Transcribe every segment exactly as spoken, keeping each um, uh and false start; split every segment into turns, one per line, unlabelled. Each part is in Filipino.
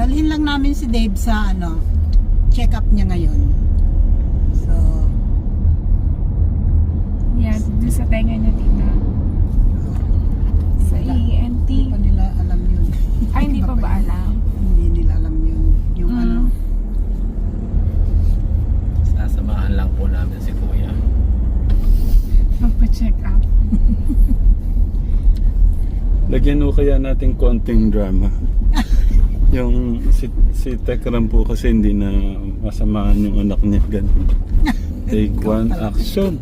dalhin lang namin si Dave sa ano, check-up niya ngayon. So,
Yan, doon sa tenga niya, tita. Sa E N T.
hindi pa nila alam yun.
Ay, hindi pa ba
yun.
alam?
Hindi nila alam yun. Yung
Mm.
ano,
Sasamahan lang po namin si Kuya.
Magpa-check up.
Lagyan mo kaya natin konting drama. Yung si, si Tekram po kasi hindi na masamahan yung anak niya. Ganun. Take one, action.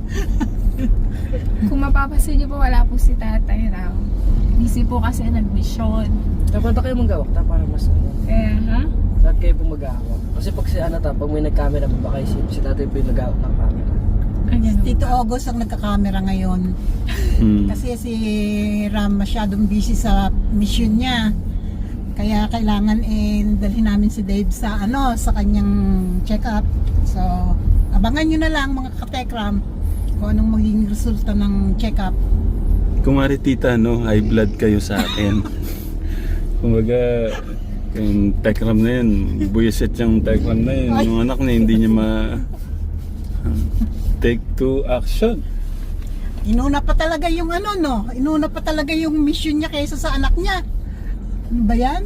Kung mapapasin niyo po, wala po si tatay raw. Busy po kasi nag-mission.
Dapat na kayo mag-awak ta para mas ano.
Kaya, ha?
Dapat kayo po mag-awak. Kasi pag si ano ta, pag may nag-camera mo, baka isip si tatay po yung nag-awak ng camera.
Ganyan
Tito
ba?
August ang nagka-camera ngayon.
Hmm.
Kasi si Ram masyadong busy sa mission niya. Kaya kailangan eh dalhin namin si Dave sa ano, sa kanyang check-up. So, abangan nyo na lang mga katekram kung anong magiging resulta ng check-up.
Kumari tita, no, high blood kayo sa akin. Kumbaga, yung Tekram na yun, buwisit yung Tekram na yun. Yung anak niya hindi niya ma... Take two, action.
Inuna pa talaga yung ano, no? Inuna pa talaga yung mission niya kaysa sa anak niya. Ano ba yan?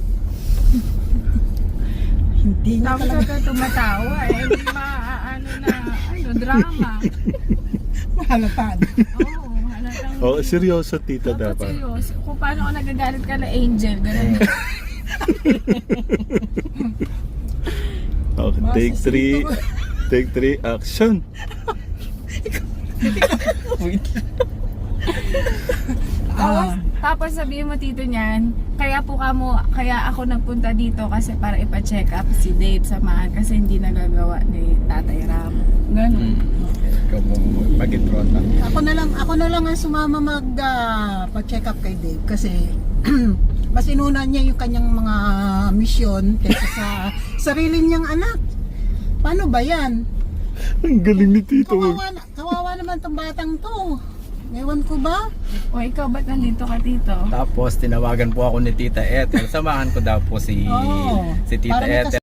Hindi niya
Tapos
talaga
ako tumatawa eh. Hindi maaano na, ano, drama.
mahalatan.
Oo, halatang...
Oh, seryoso tita
Dapat
dapat.
seryoso. Kung paano ako nagagalit ka na Angel, ganun.
Okay, take three. Take three, action.
Tapos,
Ah,
tapos sabihin mo tito niyan, kaya po kamo, kaya ako nagpunta dito kasi para ipa-check up si Dave samahan kasi hindi nagagawa ni Tatay Ram. Ganun.
Ikaw po mag-introta.
ako na lang, ako na lang ang sumama mag ah, pa-check up kay Dave kasi mas inuna niya yung kanyang mga mission kaysa sa sarili niyang anak. Paano ba yan?
Ang galing ni tito.
Kawawa, na- kawawa naman tong batang to. Ewan ko ba?
O ikaw, ba't nandito ka tito?
Tapos tinawagan po ako ni Tita Ethel. Samahan ko daw po si
Oo.
si Tita
Para may
Ethel.